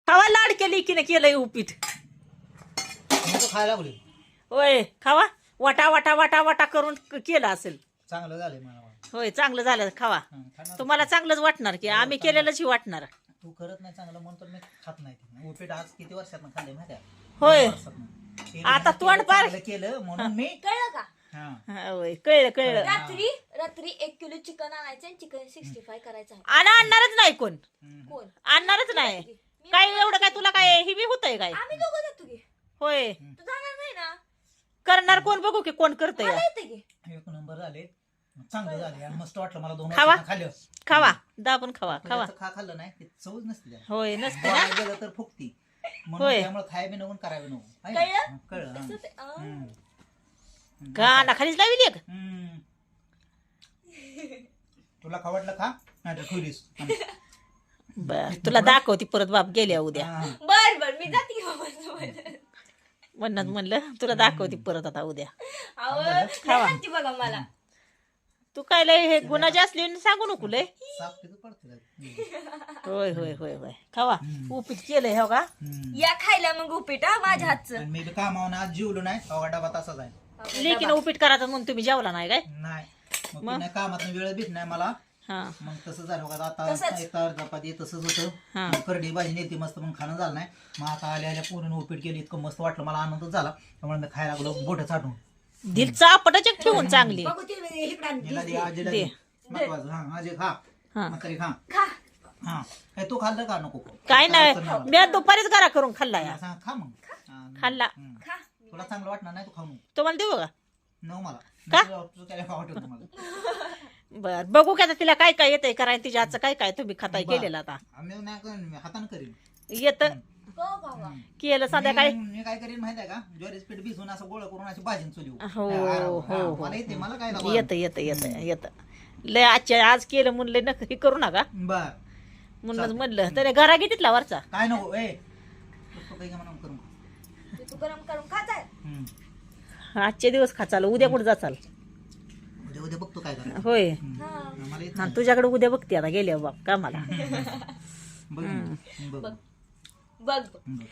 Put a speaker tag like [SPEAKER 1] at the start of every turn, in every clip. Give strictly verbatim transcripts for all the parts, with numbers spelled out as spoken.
[SPEAKER 1] खावा लाडक्या लेकीने केलंय उपीट.
[SPEAKER 2] खायला लागले.
[SPEAKER 1] होय खावा. वाटा वाटा वाटा वाटा करून केलं असेल.
[SPEAKER 2] चांगलं झालंय मला.
[SPEAKER 1] होय चांगलं झालं खावा. तुम्हाला चांगलंच वाटणार की आम्ही केलेलंच वाटणार.
[SPEAKER 2] तू करत नाही चांगलं म्हणून तर मी खात नाही. उपीट आज किती वर्षात खाल्ले माहिती आहे?
[SPEAKER 1] होय आता तोंड पार
[SPEAKER 2] केलं म्हणून मी
[SPEAKER 3] कळलं का?
[SPEAKER 1] होय कळलं कळलं.
[SPEAKER 3] रात्री रात्री एक किलो चिकन आणायचं आणि चिकन सिक्स्टी फाय करायचं आहे.
[SPEAKER 1] आणि आणणारच नाही कोण.
[SPEAKER 3] कोण?
[SPEAKER 1] आणणारच नाही. काय एवढं काय तुला काय ही बी होतंय काय?
[SPEAKER 3] आम्ही दोघं जातो की.
[SPEAKER 1] होय
[SPEAKER 3] तू जाणार नाही ना?
[SPEAKER 1] करणार कोण बघू की कोण करतंय.
[SPEAKER 3] मला येते की.
[SPEAKER 2] एक नंबर झाले. चांगलं झाले आणि मस्त वाटलं मला. दोन
[SPEAKER 1] खावा.
[SPEAKER 2] वर्षांनी खाल्लं.
[SPEAKER 1] खावा दाबून खावा खावा.
[SPEAKER 2] त्याचं खा खाल्लं नाही ते चवच नसते त्याला.
[SPEAKER 1] होय नसते ना.
[SPEAKER 2] बाहेर गेलं तर फुकती म्हणून
[SPEAKER 1] होय.
[SPEAKER 2] त्यामुळे खायबी नको करावे नको. आहे
[SPEAKER 3] कळलं?
[SPEAKER 2] ना? कळलं हा.
[SPEAKER 3] तसं ते- अं.
[SPEAKER 2] हम्म.
[SPEAKER 1] गाणा खालीच लावली एक.
[SPEAKER 2] हम्म. तुला खावटलं खा नाही तर खुरीस.
[SPEAKER 1] बर तुला दाखवती परत बाप गेल्या उद्या.
[SPEAKER 3] बर बर मी जाते की बाबा.
[SPEAKER 1] म्हणत म्हणलं तुला दाखवती परत आता उद्या.
[SPEAKER 3] अहो,
[SPEAKER 1] खावा.
[SPEAKER 3] लय हत्ती बघा मला.
[SPEAKER 1] तू काय लय हे गुन्हा जास्त सांगू नको लय.
[SPEAKER 2] साप तिथं पडतो.
[SPEAKER 1] होय होय होय होय खावा. उपीट केलंय हो का.
[SPEAKER 3] या खायला मग उपीट हा माझ्या हातचं.
[SPEAKER 2] आणि मी बी कामावून आज जेवलो नाही. अवघा डबा तसाच आहे.
[SPEAKER 1] लेकीनं उपीट करायचं म्हणून तुम्ही जेवला नाही काय.
[SPEAKER 2] नाही मग नाही कामात वेळ भेट नाही मला.
[SPEAKER 1] हा
[SPEAKER 2] मग तसं झालं बघा. आता
[SPEAKER 3] तसंच.
[SPEAKER 2] तर चपाती तसंच
[SPEAKER 1] हा.
[SPEAKER 2] होतं. मग करडी भाजी नेली मस्त मग खाणं झालं नाही. मग आता आल्या आल्या पूर्ण उपीट केली. इतकं मस्त वाटलं मला. आनंदच झाला. त्यामुळे मी खायला लागलो बोट चाटून.
[SPEAKER 1] दिल चापटाचक ठेवून चांगली.
[SPEAKER 3] बघू ते इकडं
[SPEAKER 2] हिला दे, आजीला
[SPEAKER 1] दे.
[SPEAKER 2] दे. महत्वाचं हा आजी खा.
[SPEAKER 1] हा.
[SPEAKER 2] म्हातारी खा.
[SPEAKER 3] खा.
[SPEAKER 2] हा हे तू खाल्लं का नको?
[SPEAKER 1] काय नाही
[SPEAKER 2] अडचण नाही.
[SPEAKER 1] मी दुपारीच घरा करून खाल्ला या.
[SPEAKER 2] सांग, खा मग. हा,
[SPEAKER 1] खाल्ला.
[SPEAKER 2] हम्म.
[SPEAKER 3] खा.
[SPEAKER 2] तुला चांगलं वाटणार नाही तू खाऊ नको.
[SPEAKER 1] तुम्हाला देऊ का.
[SPEAKER 2] नको मला.
[SPEAKER 1] का?
[SPEAKER 2] तुला- तुला काय खाऊ वाटत नाही मला.
[SPEAKER 1] बर बघू का आता तिला काय काय येतंय करायला. तिच्या आजचं काय काय तुम्ही खाताय
[SPEAKER 2] बरं.
[SPEAKER 1] केलेलं आता.
[SPEAKER 2] आम्ही नाही करेन, मी हातानं करीन.
[SPEAKER 1] येत
[SPEAKER 3] हो बाबा.
[SPEAKER 1] केलं संध्याकाळी.
[SPEAKER 2] मी मी काय करीन माहिती आहे का? ज्वारीच पीठ भिजवून असं गोळा करून अशी भाजीन चुली
[SPEAKER 1] हो हो हो
[SPEAKER 2] मला येते मला काय
[SPEAKER 1] येत येत येत येत लय आजच्या आज केलं म्हणलं नका हे करू नका
[SPEAKER 2] बर
[SPEAKER 1] म्हणूनच म्हणलं तरी घरा घेतला वरचा.
[SPEAKER 2] काय नको ए तू काही म्हणून करू
[SPEAKER 3] तू गरम करून खाताय.
[SPEAKER 2] हम्म.
[SPEAKER 1] आजचे दिवस खाचाल उद्या कुठं जाचाल.
[SPEAKER 2] उद्या उद्या बघतो काय करायचं.
[SPEAKER 1] होय
[SPEAKER 3] हा.
[SPEAKER 2] मला येत
[SPEAKER 1] हा तुझ्याकडे उद्या बघते आता गेल्या बाप कामाला.
[SPEAKER 2] बघ बघ
[SPEAKER 3] बघ बघ.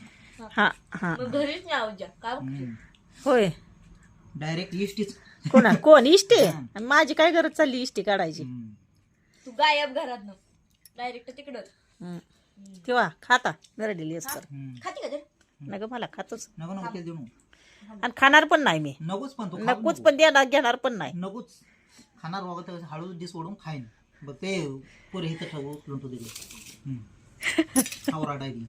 [SPEAKER 1] हा हा
[SPEAKER 3] मग घरीच नाही आहोत ज्या. काय बघते?
[SPEAKER 1] होय
[SPEAKER 2] डायरेक्ट इष्टीच.
[SPEAKER 1] कोणा कोण इष्टे आणि माझी काय गरज चालली इष्टी काढायची.
[SPEAKER 3] तू गायब घरात न डायरेक्ट तिकडं.
[SPEAKER 1] हम्म. किंवा खाता गरडीली असतं
[SPEAKER 3] खाती का तर?
[SPEAKER 1] नग मला खातोच
[SPEAKER 2] नको नको केलं देऊ नको.
[SPEAKER 1] आणि खाणार पण नाही मी.
[SPEAKER 2] नकोच पण तू खाऊ
[SPEAKER 1] नकोच
[SPEAKER 2] नको.
[SPEAKER 1] पण देणार घेणार पण नाही.
[SPEAKER 2] नकोच खाणार बाबा तर हळू डिस ओढून खाईन बघ ते पुरे इथं ठेवू उचलून तू दिले आवरा डायरी.